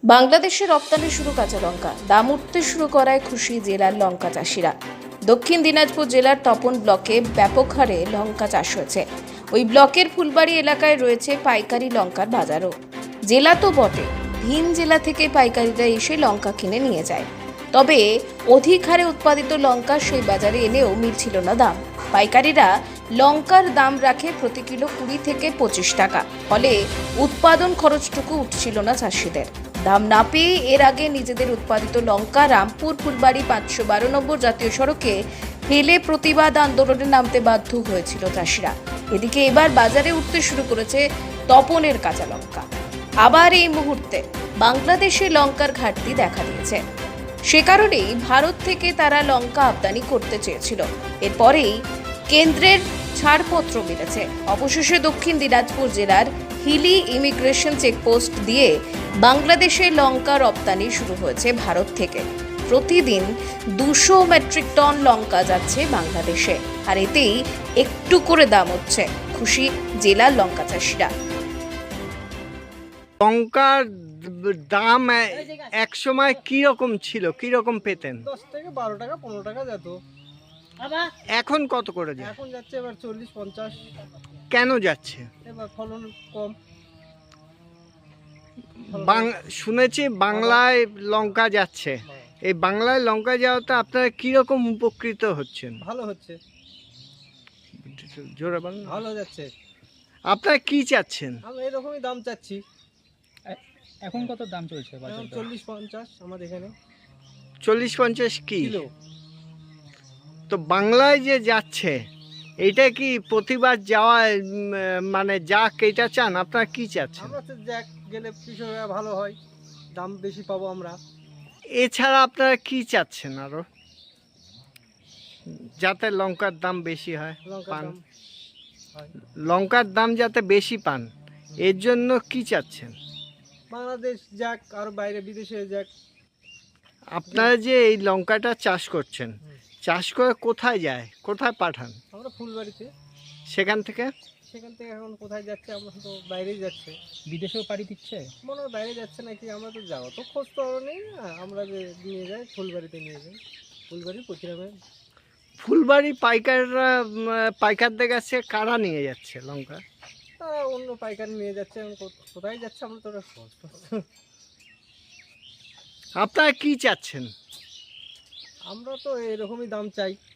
বাংলাদেশে রপ্তানি শুরু কাঁচা লঙ্কা, দাম উঠতে শুরু করায় খুশি জেলার লঙ্কা চাষিরা। দক্ষিণ দিনাজপুর জেলার তপন ব্লকে ব্যাপক হারে লঙ্কা চাষ হয়েছে। ওই ব্লকের ফুলবাড়ি এলাকায় রয়েছে পাইকারি লঙ্কার বাজারও। জেলা তো বটে, ভিন জেলা থেকে পাইকারিরা এসে লঙ্কা কিনে নিয়ে যায়। তবে অধিক হারে উৎপাদিত লঙ্কা সেই বাজারে এলেও মিলছিল না দাম। পাইকারিরা লঙ্কার দাম রাখে প্রতি কিলো 20 থেকে 25 টাকা, ফলে উৎপাদন খরচটুকু উঠছিল না চাষিদের। দাম না পেয়ে এর আগে নিজেদের উৎপাদিত লঙ্কা রামপুর ফুলবাড়ি 512 নম্বর জাতীয় সড়কে ফেলে প্রতিবাদ আন্দোলনে নামতে বাধ্য হয়েছিল চাষিরা। এদিকে এবার বাজারে উঠতে শুরু করেছে তপনের কাঁচা লঙ্কা। আবার এই মুহূর্তে বাংলাদেশে লঙ্কার ঘাটতি দেখা দিয়েছে। সে কারণেই ভারত থেকে তারা লঙ্কা আমদানি করতে চেয়েছিল। এরপরেই কেন্দ্রের ছাড়পত্র মিলেছে। অবশেষে দক্ষিণ দিনাজপুর জেলার হিলি ইমিগ্রেশন চেকপোস্ট দিয়ে বাংলাদেশে লঙ্কা রপ্তানি শুরু হয়েছে ভারত থেকে। প্রতিদিন 200 মেট্রিক টন লঙ্কা যাচ্ছে বাংলাদেশে, আর এতেই একটু করে দাম হচ্ছে। খুশি জেলার লঙ্কা চাষিরা। লঙ্কার দাম এক সময় কি রকম ছিল, কি রকম পেতেন? 10 থেকে 12 টাকা 15 টাকা যেত। এখন কত করে যায়? এখন যাচ্ছে এবার 40-50। কেন যাচ্ছে? এবার ফলন কম। শুনেছি বাংলায় লঙ্কা যাচ্ছে। এই বাংলায় লঙ্কা যাওয়াতে আপনারা কি রকম উপকৃত হচ্ছেন? ভালো হচ্ছে, জোরে বলেন। ভালো যাচ্ছে। আপনারা কি চাচ্ছেন? আমরা এরকমই দাম চাচ্ছি। এখন কত দাম চলছে এখন বাজারে? 40-50 আমাদের এখানে 40-50 কি? কিলো। তো বাংলায় যে যাচ্ছে, এটা কি প্রতিবার যাওয়া মানে যাক এটা চান? আপনারা কি চাচ্ছেন? আমরা তো যাক গেলে কৃষকরা ভালো হয়, দাম বেশি পাবো আমরা। এছাড়া আপনারা কি চাচ্ছেন আরো, যাতে লঙ্কার দাম বেশি হয়? লঙ্কার পান দাম হয়। লঙ্কার দাম যাতে বেশি পান, এর জন্য কি চাচ্ছেন? বাংলাদেশ যাক, আর বাইরে বিদেশে যাক। আপনারা যে এই লঙ্কাটা চাষ করছেন, চাষ করে কোথায় যায়, কোথায় পাঠান? আমরা ফুলবাড়িতে, সেখান থেকে সেখান থেকে এখন কোথায় যাচ্ছে? আমরা তো বাইরেই যাচ্ছে। বিদেশেও পাড়ি দিচ্ছে? মনে হয় বাইরে যাচ্ছে নাকি, আমরা তো যাবো তো খোঁজ তো আরও নেই। আমরা যে নিয়ে যাই ফুলবাড়িতে নিয়ে যাই, ফুলবাড়ি প্রতিরামে। ফুলবাড়ি পাইকাররা পাইকারদের কাছে কারা নিয়ে যাচ্ছে লঙ্কা? তারা অন্য পাইকারি নিয়ে যাচ্ছে। এখন কোথায় যাচ্ছে আমরা তো ওটা খোঁজ আপনারা কি চাচ্ছেন? আমরা তো এরকমই দাম চাই।